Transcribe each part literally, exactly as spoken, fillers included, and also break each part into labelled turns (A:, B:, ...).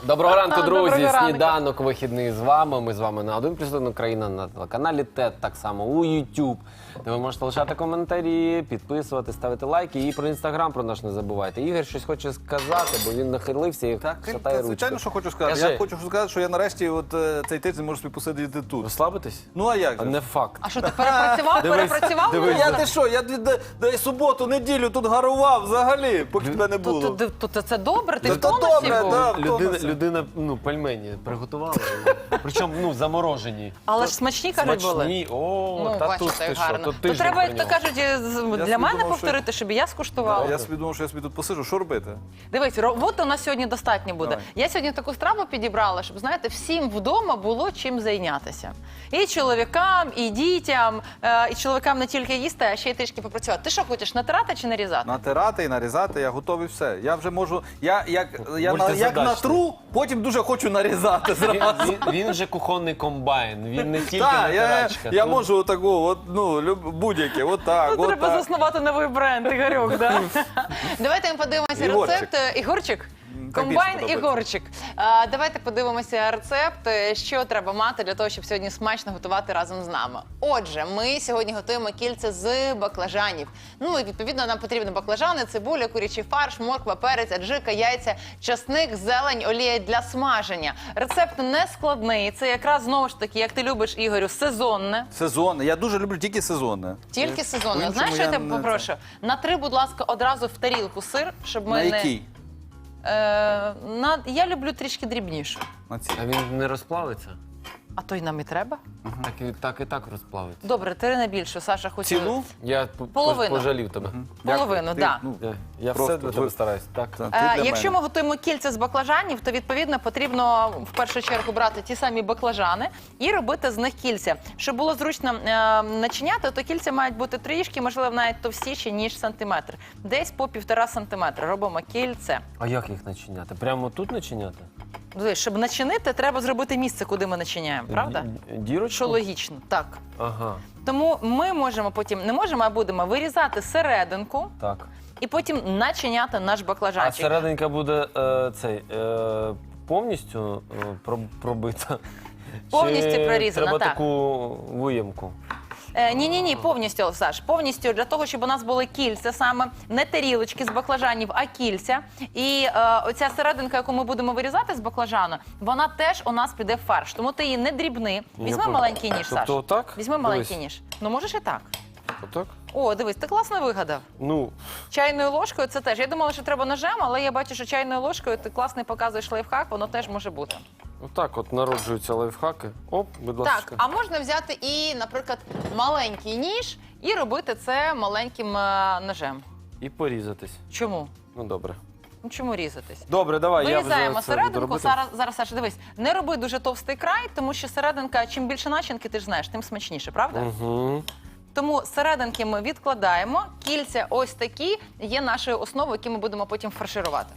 A: Доброго ранку, друзі!
B: Доброго ранку.
A: Сніданок вихідний з вами. Ми з вами на один плюс один Україна, на телеканалі ТЕТ, так само у YouTube, де ви можете лишати коментарі, підписувати, ставити лайки. І про Інстаграм про наш не забувайте. Ігор щось хоче сказати, бо він нахилився і
C: Так,
A: шатає
C: та,
A: ручку.
C: звичайно, що хочу сказати.
A: Кажи.
C: Я хочу сказати, що я нарешті от, е, цей тиждень можу собі посидіти тут.
A: Розслабитись?
C: Ну а як
A: А
C: же?
A: не факт.
B: А що, ти перепрацював?
A: Дивись,
B: Перепрацював?
A: дивись.
B: мене?
C: Я ти що, я д- д- д- суботу, неділю тут гарував взагалі, поки тебе не було.
B: То, то, то, то це добре, ти
C: Та
B: в
C: то
B: тонусі
C: добре,
B: був.
C: да.
A: Людина,
C: Втомився.
A: людина, ну, пельмені приготувала. Причому, ну, заморожені.
B: Але ж смачні, кажуть, були.
A: Смачні. О,
B: Ну,
A: та
B: бачите,
A: тут ти
B: як
A: що,
B: гарно.
A: то
B: То
A: тиждень
B: треба, як то
A: прийняв.
B: кажуть, з- для
C: собі
B: мене
C: думав,
B: повторити, щоб і я скуштувала.
C: Я собі думав, що я собі тут посиджу, що робити?
B: Дивись, роботи у нас сьогодні достатньо буде.
C: Давай.
B: Я сьогодні таку страву підібрала, щоб, знаєте, всім вдома було чим зайнятися. І чоловікам, і дітям, е, і чоловікам не тільки їсти, а ще й трішки попрацювати. Ти що хочеш, натирати чи нарізати?
C: Натирати і нарізати, я готовий все. Я вже можу, я як, я на, як
A: Мультизадачний.
C: натру, потім дуже хочу нарізати
A: Він,
C: зразу.
A: він, він же кухонний комбайн, він не тільки
C: Так, я,
A: натирачка.
C: я
A: Тут-
C: можу отаку, от, ну, люб- будь-яке, отак,
B: Ну, треба
C: отак.
B: заснувати новий бренд, Ігорьок, да? Давайте ми подивимося
C: Ігорчик.
B: рецепт. е, Ігорчик?
C: так
B: Комбайн
C: більше подобається.
B: Ігорчик. А, давайте подивимося рецепт, е, що треба мати для того, щоб сьогодні смачно готувати разом з нами. Отже, ми сьогодні готуємо кільце з баклажанів. Ну і відповідно нам потрібні баклажани, цибуля, курячий фарш, морква, перець, аджика, яйця, часник, зелень, олія для смаження. Рецепт не складний. Це якраз знову ж таки, як ти любиш, Ігорю, сезонне.
C: Сезонне. Я дуже люблю тільки сезонне.
B: Тільки сезонне.
C: По-іншому
B: Знаєш, що я
C: я
B: тебе
C: не
B: попрошу? Натри, будь ласка, одразу в тарілку сир, щоб ми
C: На
B: не...
C: якій?
B: Е, на... Я люблю трішки дрібніше.
C: На цій.
A: А він не розплавиться?
B: А то й нам і треба.
A: Так і так, і так розплавиться.
B: Добре, три на більше. Саша хоче...
C: Цілу?
A: Я п-
B: Половину.
A: пожалів тебе.
B: Половину,
C: Ти,
B: да.
C: ну,
A: Я, я
C: Просто
A: все для
C: ви-
A: тебе стараюсь. Так.
C: та, ти
B: Е,
C: для
B: якщо
C: мене.
B: ми готуємо кільця з баклажанів, то відповідно потрібно в першу чергу брати ті самі баклажани і робити з них кільця. Щоб було зручно е, начиняти, то кільця мають бути трішки, можливо, навіть товстіші, ніж сантиметр. Десь по півтора сантиметра робимо кільце.
A: А як їх начиняти? Прямо тут начиняти?
B: Дивись, щоб начинити, треба зробити місце, куди ми начиняємо, правда?
A: Ді- Дірочку?
B: Що логічно, так.
A: Ага,
B: Тому ми можемо потім, не можемо, а будемо вирізати серединку
A: так.
B: і потім начиняти наш
A: А
B: баклажанчик.
A: серединка буде е, цей, е, повністю е, проб- пробита?
B: Повністю
A: Чи
B: прорізана,
A: треба
B: так.
A: таку виємку?
B: Е, ні, ні, ні, повністю, Саш, повністю для того, щоб у нас були кільця саме, не тарілочки з баклажанів, а кільця. І е, оця серединка, яку ми будемо вирізати з баклажану, вона теж у нас піде в фарш. Тому ти її не дрібни. Візьми
A: понял.
B: маленький ніж, Саш.
A: Тобто отак?
B: Візьми маленький
A: Дивись.
B: ніж. Ну, можеш і так.
A: Отак?
B: О, дивись, ти класно вигадав.
A: Ну,
B: Чайною ложкою це теж. Я думала, що треба ножем, але я бачу, що чайною ложкою ти класний показуєш лайфхак, воно теж може бути.
A: отак от народжуються лайфхаки. Оп, будь ласка.
B: Так, а можна взяти і, наприклад, маленький ніж і робити це маленьким е, ножем.
A: І порізатись.
B: Чому?
A: Ну, добре.
B: Ну чому різатись?
A: Добре, давай, я
B: Вирізаємо
A: вже це буду
B: серединку.
A: робити.
B: Зараз, зараз, Саша, дивись, не роби дуже товстий край, тому що серединка, чим більше начинки, ти ж знаєш, тим смачніше, правда?
A: Угу.
B: Тому серединки ми відкладаємо, кільця ось такі є нашою основою, які ми будемо потім фарширувати.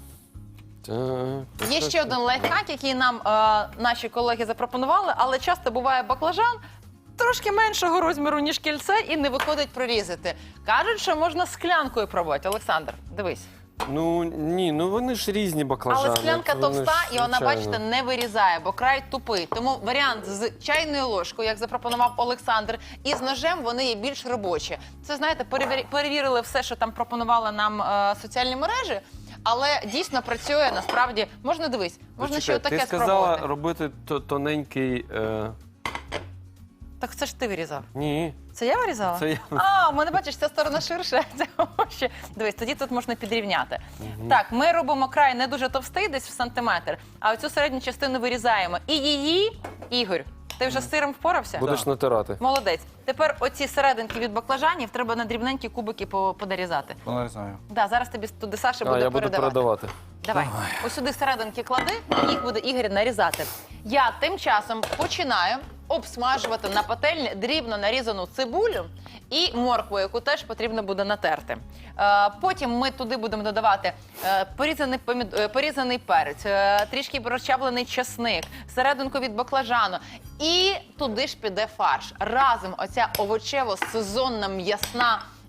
A: Так.
B: Є ще один лайфхак, який нам е, наші колеги запропонували, але часто буває баклажан трошки меншого розміру, ніж кільце, і не виходить прорізати. Кажуть, що можна склянкою пробувати. Олександр, дивись.
A: Ну, ні, ну вони ж різні баклажани.
B: Але склянка
A: Вони
B: товста,
A: ж,
B: і вона,
A: звичайно.
B: бачите, не вирізає, бо край тупий. Тому варіант з чайною ложкою, як запропонував Олександр, і з ножем вони є більш робочі. Це, знаєте, перевір- перевірили все, що там пропонували нам е, соціальні мережі, але дійсно працює, насправді. Можна, дивись, можна ще
A: Почекай,
B: отаке
A: ти сказала
B: спробувати.
A: робити то- тоненький... Е...
B: Так це ж ти вирізав.
A: Ні,
B: Це я вирізала?
A: це я.
B: А, у мене, бачиш, ця сторона ширша, а ця вужча. Дивись, тоді тут можна підрівняти. Так, ми робимо край не дуже товстий, десь в сантиметр, а оцю середню частину вирізаємо. І її, Ігор, ти вже з сиром впорався?
A: Будеш натирати.
B: Молодець. Тепер оці серединки від баклажанів треба на дрібненькі кубики по- понарізати.
C: Нарізаю.
B: Да, зараз тобі туди Саша
A: А,
B: буде
A: я буду
B: передавати.
A: передавати.
B: Давай. Ось сюди серединки клади, і їх буде Ігор нарізати. Я тим часом починаю обсмажувати на пательні дрібно нарізану цибулю і моркву, яку теж потрібно буде натерти. Е, Потім ми туди будемо додавати е, порізаний, помід... е, порізаний перець, е, трішки розчавлений чесник, серединку від баклажану. І туди ж піде фарш. Разом оця овочево-сезонна м'ясна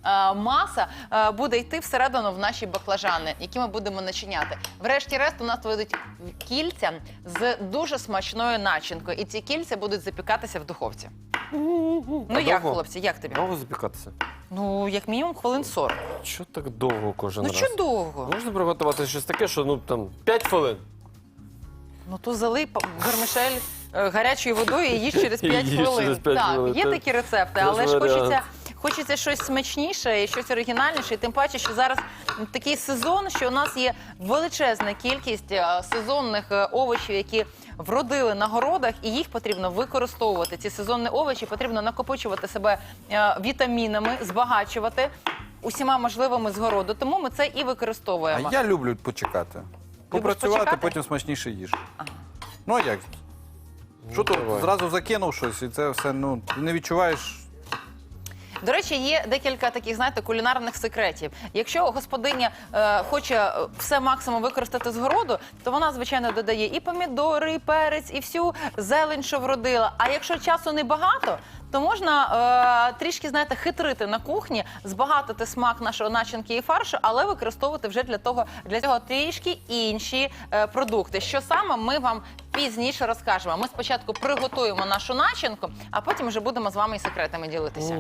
B: е, маса е, буде йти всередину в наші баклажани, які ми будемо начиняти. Врешті-решт у нас вийдуть кільця з дуже смачною начинкою. І ці кільця будуть запікатися в духовці. Ну
A: А
B: як,
A: довго?
B: хлопці, як тобі?
A: Довго запікатися?
B: Ну, як мінімум, хвилин сорок.
A: Що так довго кожен
B: Ну,
A: раз?
B: що довго?
A: Можна приготувати щось таке, що ну там п'ять хвилин.
B: Ну, то залий па- вермишель е, гарячою водою і їж через п'ять
A: Їж
B: хвилин.
A: через п'ять
B: так,
A: хвилин,
B: є
A: це-
B: такі рецепти,
A: це ж
B: але ж
A: варіант.
B: хочеться, хочеться щось смачніше і щось оригінальніше. І тим паче, що зараз такий сезон, що у нас є величезна кількість е, сезонних е, овочів, які вродили на городах, і їх потрібно використовувати. Ці сезонні овочі потрібно накопичувати себе е, вітамінами, збагачувати усіма можливими з городу. Тому ми це і використовуємо.
C: А я люблю почекати. Попрацювати,
B: почекати?
C: потім смачніше їж. Ну а як? Що то
A: давай.
C: зразу закинув щось, і це все, ну, ти не відчуваєш.
B: До речі, є декілька таких, знаєте, кулінарних секретів. Якщо господиня е, хоче е, все максимум використати з городу, то вона, звичайно, додає і помідори, і перець, і всю зелень, що вродила. А якщо часу небагато, то можна е, трішки, знаєте, хитрити на кухні, збагатити смак нашого начинки і фаршу, але використовувати вже для того, для цього трішки інші е, продукти. Що саме, ми вам пізніше розкажемо. Ми спочатку приготуємо нашу начинку, а потім вже будемо з вами і секретами ділитися.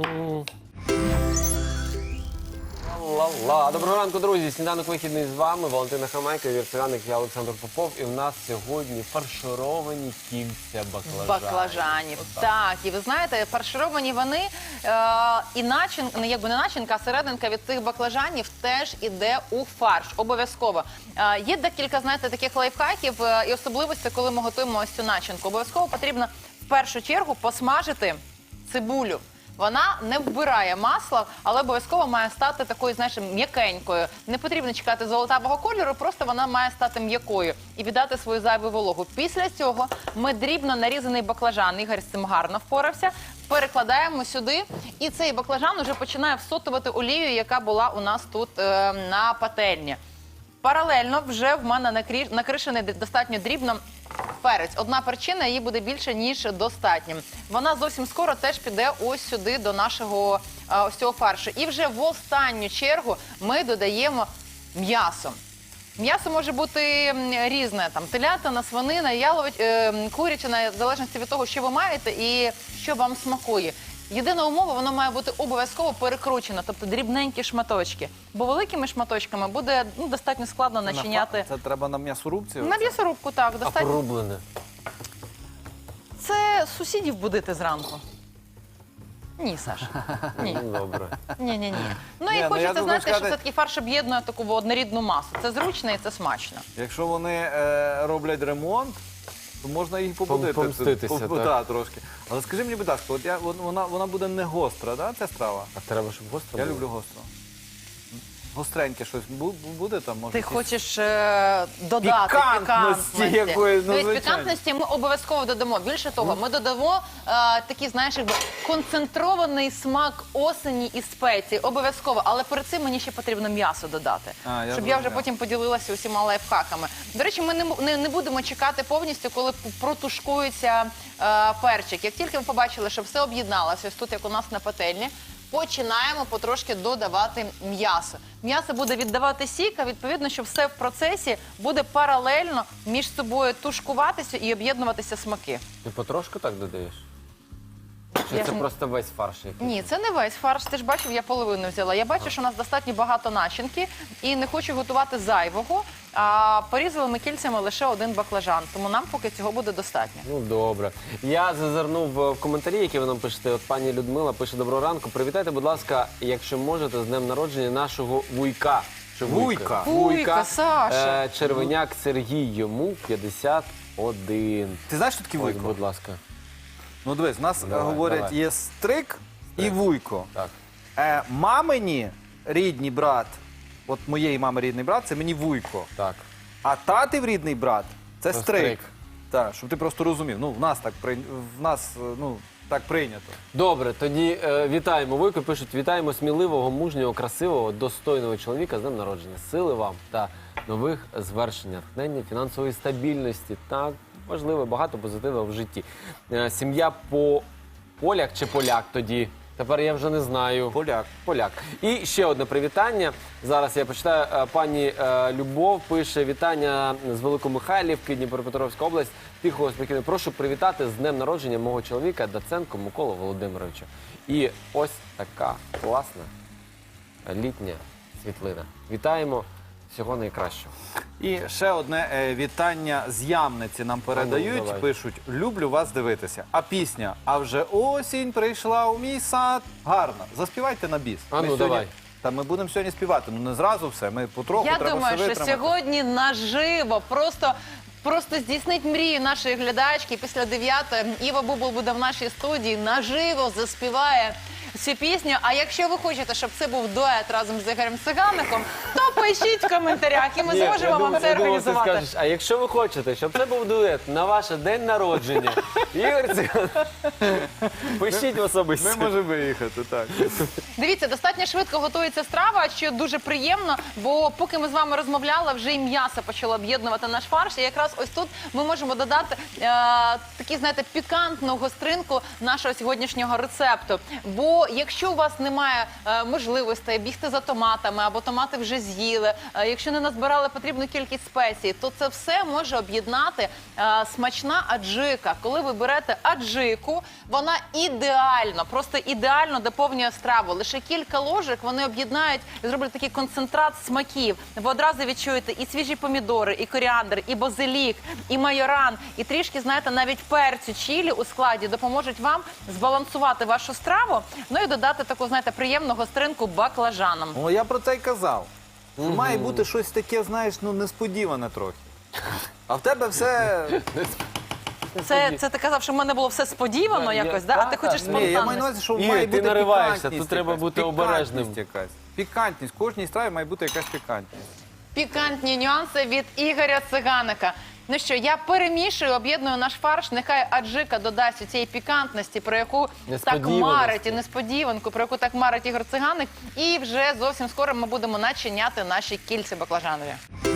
A: Ла-ла. Доброго ранку, друзі. Сніданок вихідний з вами. Валентина Хамайка, віртуальник, я Олександр Попов. І в нас сьогодні фаршировані кільця баклажанів.
B: Баклажанів. Так, і ви знаєте, фаршировані вони, е, і начинка, не якби не начинка, а серединка від цих баклажанів теж іде у фарш. Обов'язково. Е, є декілька, знаєте, таких лайфхаків е, і особливостей, коли ми готуємо ось цю начинку. Обов'язково потрібно в першу чергу посмажити цибулю. Вона не вбирає масла, але обов'язково має стати такою, знаєш, м'якенькою. Не потрібно чекати золотавого кольору, просто вона має стати м'якою і віддати свою зайву вологу. Після цього ми дрібно нарізаний баклажан, Ігор з цим гарно впорався, перекладаємо сюди, і цей баклажан уже починає всотувати олію, яка була у нас тут е, на пательні. Паралельно вже в мене накрі- накришений достатньо дрібно перець. Одна перчина, її буде більше, ніж достатньо. Вона зовсім скоро теж піде ось сюди до нашого а, ось цього фаршу. І вже в останню чергу ми додаємо м'ясо. М'ясо може бути м, різне, там телятина, свинина, ялович, е, курячина, в залежності від того, що ви маєте і що вам смакує. Єдина умова, воно має бути обов'язково перекручено, тобто дрібненькі шматочки. Бо великими шматочками буде ну, достатньо складно начиняти.
C: Це треба на м'ясорубці?
B: На м'ясорубку, так,
A: А
B: достатньо.
A: порублене.
B: Це сусідів будити зранку. Ні, Саша. Ні.
A: Ну, добре.
B: Ні, ні, ні. Ну
C: Ні,
B: і
C: ну,
B: хочеться,
C: я думаю,
B: знаєте, що
C: сказати-
B: все-таки фарш об'єднує таку однорідну масу. Це зручно і це смачно.
C: Якщо вони е, роблять ремонт, то можна їх побудити.
A: помститися,
C: Пом-
A: так.
C: да, трошки. Але скажи мені, будь ласка, от я, вон- вона, вона буде не гостра, да, ця страва?
A: А треба, щоб гостро
C: Я
A: було?
C: люблю гостро. Гостреньке щось бу- буде там? Може,
B: Ти
C: якісь-
B: хочеш е, додати
C: Пікантності
B: пікантності.
C: якоїсь, ну,
B: Тобто
C: звичайно.
B: пікантності ми обов'язково додамо. Більше того, ми додамо е, такий, знаєш, якби концентрований смак осені і спеції. Обов'язково. Але перед цим мені ще потрібно м'ясо додати.
C: А, я
B: щоб я вже
C: зрозумів.
B: потім поділилася усіма лайфхаками. До речі, ми не, м- не, не будемо чекати повністю, коли п- протушкується е, перчик. Як тільки ми побачили, що все об'єдналося, ось тут, як у нас на пательні, починаємо потрошки додавати м'ясо. М'ясо буде віддавати сік, а відповідно, що все в процесі буде паралельно між собою тушкуватися і об'єднуватися смаки.
A: Ти потрошку так додаєш? Чи
B: Я
A: це
B: ж-
A: просто весь фарш який?
B: Ні, це не весь фарш. Ти ж бачив, я половину взяла. Я бачу, що у нас достатньо багато начинки і не хочу готувати зайвого. А порізали ми кільцями лише один баклажан, тому нам поки цього буде достатньо.
A: Ну, добре. Я зазирнув е, в коментарі, які ви нам пишете. От пані Людмила пише: доброго ранку. Привітайте, будь ласка, якщо можете, з днем народження нашого вуйка. Чи
C: Вуйка?
B: Вуйка, Саша.
A: Е, Червеняк Сергій, йому п'ятдесят один.
C: Ти знаєш, що таке
A: Ось,
C: вуйко?
A: будь ласка.
C: Ну дивись, у нас е,
A: Давай,
C: говорять,
A: давай.
C: є стрик і вуйко.
A: Так.
C: Е, мамині рідний брат, от моєї мами рідний брат, це мені вуйко.
A: Так.
C: А татів рідний брат це
A: Це
C: стрик.
A: стрик.
C: Так, щоб ти просто розумів. Ну, в нас так прий- в нас е, ну, так прийнято.
A: Добре, тоді е, вітаємо Вуйко. Пишуть: вітаємо сміливого, мужнього, красивого, достойного чоловіка з днем народження. Сили вам та нових звершень, натхнення, фінансової стабільності. Так, важливо, багато позитиву в житті. Е, сім'я по поляк чи поляк тоді Тепер я вже не знаю.
C: Поляк.
A: Поляк. І ще одне привітання. Зараз я почитаю. Е, Пані е, Любов пише: вітання з Великомихайлівки, Дніпропетровська область. Тихого, спокійно. Прошу привітати з днем народження мого чоловіка Даценко Миколу Володимировича. І ось така класна літня світлина. Вітаємо. Всього найкращого.
C: І ще одне е, вітання з Ямниці нам передають.
A: давай.
C: Пишуть: люблю вас дивитися. А пісня «А вже осінь прийшла у мій сад». Гарно. Заспівайте на біс.
A: А ну,
C: Ми сьогодні-
A: давай.
C: Та ми будемо сьогодні співати. Ну не зразу все. Ми потроху
B: Я
C: треба
B: думаю,
C: все
B: що
C: витримати.
B: сьогодні наживо просто. Просто здійснить мрію нашої глядачки. Після дев'ятої Іва Бубл буде в нашій студії, наживо заспіває цю пісню. А якщо ви хочете, щоб це був дует разом з Ігорем Цигаником, то пишіть в коментарях, і ми
A: Ні,
B: зможемо
A: я
B: вам
A: думав-
B: це
A: я думав, ти
B: організувати.
A: скажеш, а якщо ви хочете, щоб це був дует на ваше день народження, Ігор Циган, пишіть в особисті.
C: Ми можемо виїхати, так.
B: Дивіться, достатньо швидко готується страва, що дуже приємно, бо поки ми з вами розмовляли, вже і м'ясо почало об'єднувати наш фарш. І якраз ось тут ми можемо додати е, такі, знаєте, пікантну гостринку нашого сьогоднішнього рецепту. Бо якщо у вас немає е, можливостей бігти за томатами, або томати вже з'їли, е, якщо не назбирали потрібну кількість спецій, то це все може об'єднати е, смачна аджика. Коли ви берете аджику, вона ідеально, просто ідеально доповнює страву. Лише кілька ложок вони об'єднають і зроблять такий концентрат смаків. Ви одразу відчуєте і свіжі помідори, і коріандр, і базилік, і майоран, і трішки, знаєте, навіть перцю чилі у складі допоможуть вам збалансувати вашу страву, ну і додати таку, знаєте, приємну гостринку баклажаном.
C: О, я про це й казав. Що має бути щось таке, знаєш, ну несподіване трохи. А в тебе все...
B: Це, це ти казав, що в мене було все сподівано
A: Я-
B: якось,
A: я-
B: да? а
A: та,
B: ти
A: та.
B: хочеш
A: Ні,
B: спонтанність.
C: Ні, я маю на увазі, що
A: Ігор,
C: має
A: ти
C: бути
A: нариваєшся,
C: пікантність
A: тут треба
C: якась,
A: бути
C: пікантність
A: обережним.
C: якась. Пікантність. В кожній страві має бути якась пікантність.
B: Пікантні нюанси від Ігоря Циганика. Ну що, я перемішую, об'єдную наш фарш. Нехай аджика додасть у цієї пікантності, про яку так
A: Несподіваності.
B: марить, і несподіванку, про яку так марить Ігор Циганик. І вже зовсім скоро ми будемо начиняти наші кільці баклажанові.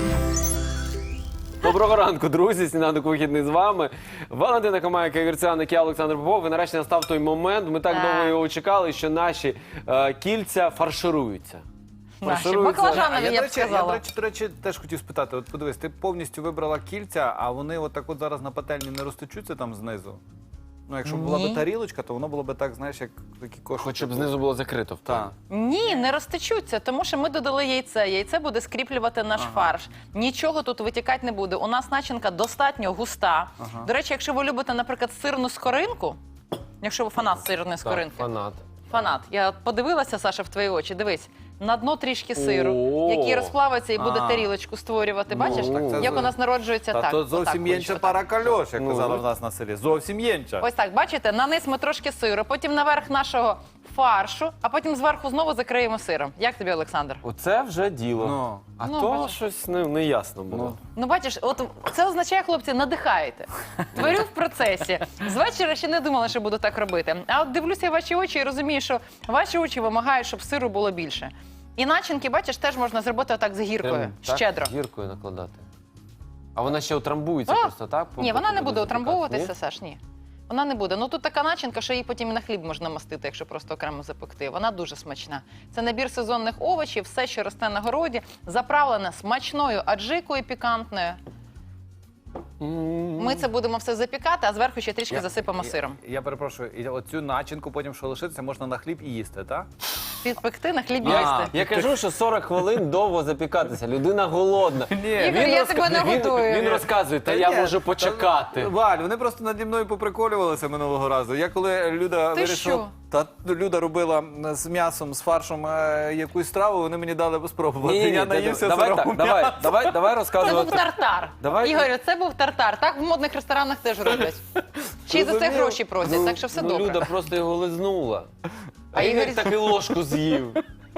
A: Доброго ранку, друзі. Сніданок вихідний з вами. Валентина Комайка, Ігор Циганик, я Олександр Попов. І нарешті настав той момент. Ми так
B: Так.
A: довго його чекали, що наші е, кільця фаршируються.
B: Наші
A: Фаршируються.
B: баклажанові,
C: я,
B: я
C: до
B: б
C: речі, я,
B: сказала.
C: до речі, до речі, теж хотів спитати. От подивись, ти повністю вибрала кільця, а вони отак от зараз на пательні не розтечуться там знизу? Ну, якщо б була
B: Ні.
C: б тарілочка, то воно було б так, знаєш, як такі кошики.
A: Хоч щоб знизу було закрито. в
C: Так.
A: плані.
B: Ні, не розтечуться, тому що ми додали яйце. Яйце буде скріплювати наш фарш. Нічого тут витікати не буде. У нас начинка достатньо густа.
C: Ага.
B: До речі, якщо ви любите, наприклад, сирну скоринку, якщо ви фанат сирної
A: Так,
B: скоринки,
A: фанат.
B: фанат, я подивилася, Саша, в твої очі, дивись. На дно трішки сиру,
A: О!
B: який розплавиться і буде
C: А.
B: тарілочку створювати. Бачиш,
A: Ну,
C: це
B: як
C: за-
B: у нас народжується
C: Та
B: так.
C: то
B: отак,
C: зовсім
B: ось,
C: єнча
B: отак.
C: пара кальош, як
A: Ну,
C: казали
A: ну.
C: в нас на селі. Зовсім єнча.
B: Ось так, бачите, на низ ми трошки сиру, потім наверх нашого фаршу, а потім зверху знову закриємо сиром. Як тобі, Олександр?
A: Оце вже діло.
C: Ну.
A: А
B: Ну,
A: то
B: бачиш.
A: щось не, не ясно було.
C: Ну.
B: Ну, бачиш, от це означає, хлопці, надихаєте. Творю в процесі. З вечора ще не думала, що буду так робити. А от дивлюся в ваші очі і розумію, що ваші очі вимагають, щоб сиру було більше. І начинки, бачиш, теж можна зробити отак з гіркою,
A: Прям так
B: щедро.
A: гіркою накладати. А вона ще утрамбується
B: А,
A: просто, так?
B: Ні, вона не буде
A: запікати?
B: утрамбовуватися,
A: Ні?
B: Саш, ні. Вона не буде. Ну тут така начинка, що її потім і на хліб можна мастити, якщо просто окремо запекти. Вона дуже смачна. Це набір сезонних овочів, все, що росте на городі, заправлене смачною аджикою пікантною.
A: М.
B: Ми це будемо все запікати, а зверху ще трішки
C: Я-
B: засипемо
C: я-
B: сиром.
C: Я, перепрошую, і оцю начинку потім, що лишиться, можна на хліб і їсти, так?
B: Підпекти на хліб
A: Я,
B: їсти.
A: я кажу, що сорок хвилин довго запікатися. Людина голодна.
C: Ні.
B: Ігор, я тебе не
A: він,
B: годую.
A: він розказує, та
C: Та
A: я
C: ні,
A: можу
C: та-
A: почекати.
C: Валь, вони просто наді мною поприколювалися минулого разу. Я коли Люда
B: Ти
C: вирішила,
B: що?
C: та Люда робила з м'ясом, з фаршем е, якусь страву, вони мені дали спробувати.
A: Ні, ні,
C: я
A: та-
C: наївся
A: давай
C: сирого
A: так, давай,
C: м'яса.
A: давай, давай
B: Це був
A: розказувати.
B: тартар.
A: Давай.
B: Ігорю, це був тартар. Так в модних ресторанах теж роблять. Чи й за це
C: Розумів.
B: гроші просять, так що все
A: ну,
B: добре.
A: Люда просто його лизнула. А,
B: А
A: Ігор
B: Ігор-
A: так і ложку з'їв.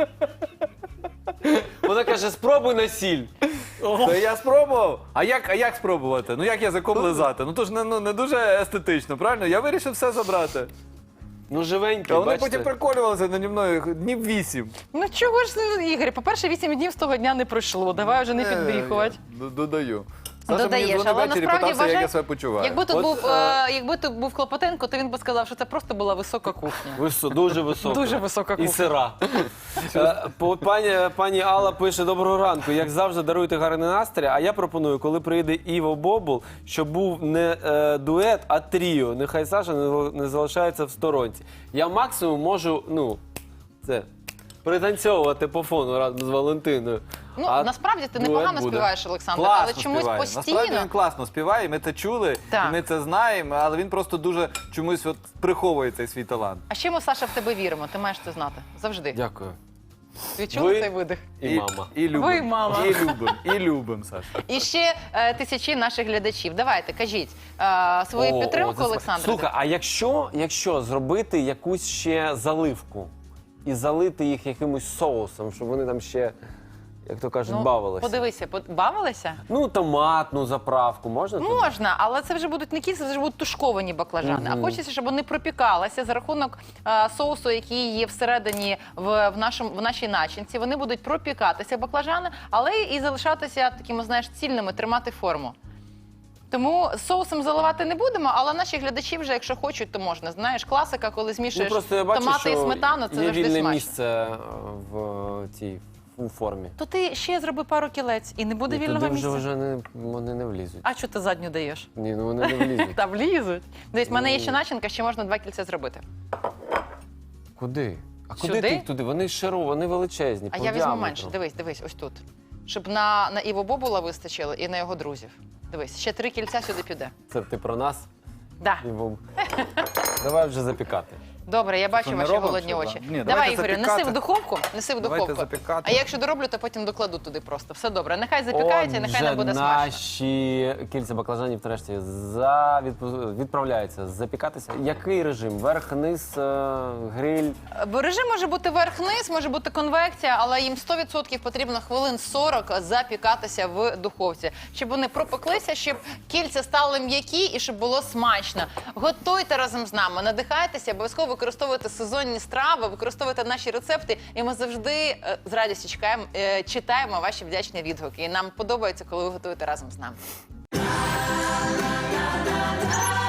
A: Вона каже, спробуй на сіль.
C: Та я спробував. А як, а як спробувати? Ну як язиком лизати? Ну то ж не, ну, не дуже естетично, правильно? Я вирішив все забрати.
A: Ну, живенький,
C: А вони
A: бачите.
C: потім приколювалися наді мною днів вісім.
B: Ну чого ж, Ігор, по-перше, вісім днів з того дня не пройшло. Давай вже не підбріхувати.
C: Е, я Додаю. Саша
B: додаєш,
C: мені дзвонив
B: але
C: ввечері,
B: насправді
C: питався, як
B: вважай,
C: я себе почуваю.
B: якби тут
A: От,
B: був,
A: е,
B: е, якби тут був Клопотенко, то він би сказав, що це просто була висока кухня.
A: Висо, дуже висока.
B: Дуже висока
A: І
B: кухня.
A: сира. Е, по- Пані, пані Алла пише: доброго ранку. Як завжди, даруйте гарний настрій. А я пропоную, коли прийде Іво Бобул, щоб був не е, дует, а тріо. Нехай Саша не, не залишається в сторонці. Я максимум можу, ну, це, пританцьовувати по фону разом з Валентиною.
B: Ну,
A: А
B: насправді ти
A: дует
B: непогано
A: буде.
B: співаєш, Олександр,
C: Класно
B: але чомусь
C: співає.
B: постійно.
C: Насправді він класно співає, і ми це чули,
B: Так.
C: і ми це знаємо, але він просто дуже чомусь от приховує цей свій талант.
B: А ще ми, Саша, в тебе віримо, ти маєш це знати. Завжди.
A: Дякую.
B: Відчули
A: Ви-
B: цей видих?
A: І, мама.
C: І любим.
B: Ви, мама.
C: І любим, і любим, Саша.
B: І ще е, тисячі наших глядачів. Давайте, кажіть е, свою
A: О,
B: підтримку,
A: о, це сп-
B: Олександр.
A: Слухай, а якщо, якщо зробити якусь ще заливку і залити їх якимось соусом, щоб вони там ще, як то кажуть, бавилися?
B: Подивися, под- бавилися?
A: Ну, томатну заправку можна? туди?
B: Можна, але це вже будуть не кільця, це вже будуть тушковані баклажани. А хочеться, щоб вони пропікалися за рахунок е, соусу, який є всередині в, в, нашому, в нашій начинці. Вони будуть пропікатися баклажани, але і залишатися такими, знаєш, цільними, тримати форму. Тому соусом заливати не будемо, але наші глядачі вже, якщо хочуть, то можна. Знаєш, класика, коли
A: Ну,
B: змішуєш
A: просто я бачу,
B: томати і
A: що
B: сметану, це
A: є
B: завжди
A: вільне
B: смачно.
A: місце е, в цій у формі.
B: То ти ще зроби пару кілець і не буде
A: І
B: вільного
A: туди
B: місця.
A: вже, вже не, вони не влізуть.
B: А що ти задню даєш?
A: Ні, ну вони не влізуть.
B: Та влізуть. Дивись, в мене є ще начинка, ще можна два кільця зробити.
A: Куди? А куди
B: Сюди?
A: ти їх туди? Вони широ, вони величезні.
B: А
A: по
B: я візьму
A: діаметру.
B: менше. Дивись, дивись, ось тут. Щоб на, на Іво Бобула вистачило і на його друзів. Дивись, ще три кільця сюди піде.
A: Це ти про нас?
B: Да.
A: І бом- Давай вже запікати.
B: Добре, я бачу
C: не
B: ваші
C: робимо
B: голодні
C: ще,
B: очі.
C: да? Ні,
B: Давай,
C: давайте
B: Ігорю, неси
C: запікати.
B: в духовку, неси в
C: Давайте
B: духовку.
C: запікати.
B: А я якщо дороблю, то потім докладу туди просто. Все добре. Нехай запікається, нехай нам буде
A: Отже,
B: смачно.
A: наші кільця баклажанів нарешті за... відпу- відправляються запікатися. Який режим? Верх, низ, е, гриль?
B: Бо режим може бути верх-низ, може бути конвекція, але їм сто відсотків потрібно хвилин сорок запікатися в духовці, щоб вони пропеклися, щоб кільця стали м'які і щоб було смачно. Готуйте разом з нами, надихайтеся, обов'язково використовуйте сезонні страви, використовуйте наші рецепти, і ми завжди е, з радістю чекаємо, е, читаємо ваші вдячні відгуки. І нам подобається, коли ви готуєте разом з нами.